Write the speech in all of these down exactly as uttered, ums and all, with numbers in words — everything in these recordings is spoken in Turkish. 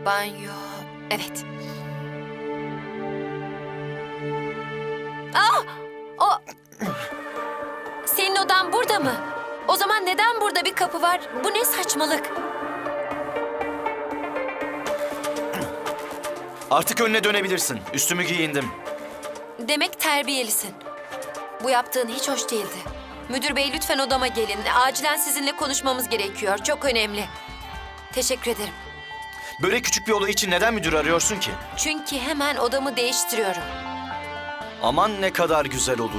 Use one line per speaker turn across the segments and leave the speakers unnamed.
Banyo. Evet. Aa! O... Senin odan burada mı? O zaman neden burada bir kapı var? Bu ne saçmalık?
Artık önüne dönebilirsin. Üstümü giyindim.
Demek terbiyelisin. Bu yaptığın hiç hoş değildi. Müdür bey lütfen odama gelin. Acilen sizinle konuşmamız gerekiyor. Çok önemli. Teşekkür ederim.
Böyle küçük bir olay için neden müdür arıyorsun ki?
Çünkü hemen odamı değiştiriyorum.
Aman ne kadar güzel olur.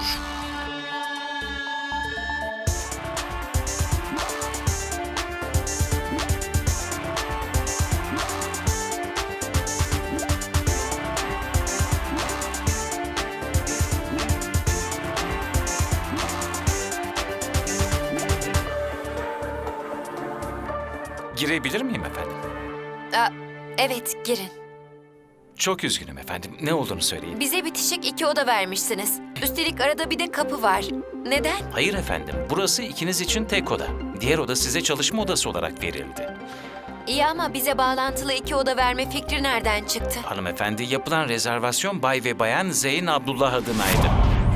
Girebilir miyim efendim?
Aa, evet, girin.
Çok üzgünüm efendim. Ne olduğunu söyleyin.
Bize bitişik iki oda vermişsiniz. Üstelik arada bir de kapı var. Neden?
Hayır efendim. Burası ikiniz için tek oda. Diğer oda size çalışma odası olarak verildi.
İyi ama bize bağlantılı iki oda verme fikri nereden çıktı?
Hanımefendi, yapılan rezervasyon Bay ve Bayan Zeyn Abdullah adınaydı.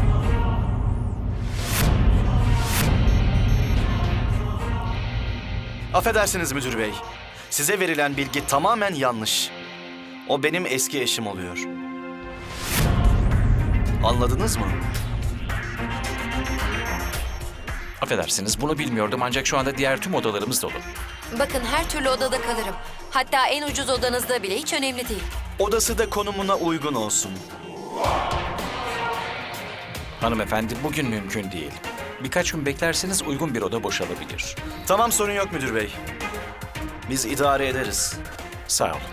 Affedersiniz müdür bey. Size verilen bilgi tamamen yanlış. O benim eski eşim oluyor. Anladınız mı?
Affedersiniz, bunu bilmiyordum ancak şu anda diğer tüm odalarımız dolu.
Bakın her türlü odada kalırım. Hatta en ucuz odanızda bile hiç önemli değil.
Odası da konumuna uygun olsun.
Hanımefendi, bugün mümkün değil. Birkaç gün beklerseniz uygun bir oda boşalabilir.
Tamam, sorun yok müdür bey. Biz idare ederiz.
Sağ olun.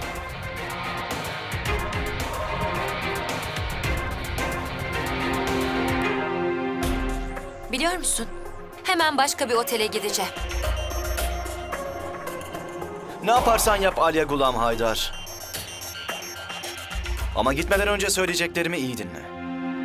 Biliyor musun? Hemen başka bir otele gideceğim.
Ne yaparsan yap Alya Gulam Haydar. Ama gitmeden önce söyleyeceklerimi iyi dinle.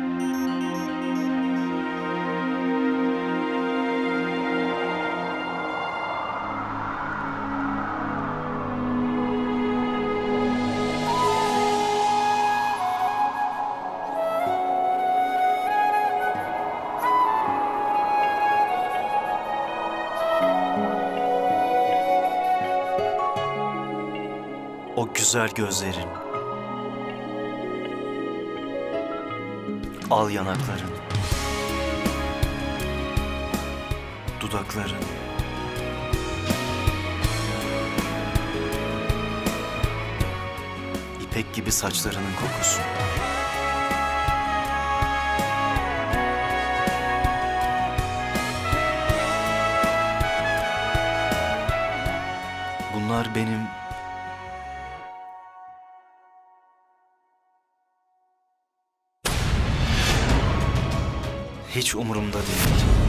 O güzel gözlerin, al yanakların, dudakların, ipek gibi saçlarının kokusu. Bunlar benim hiç umurumda değil.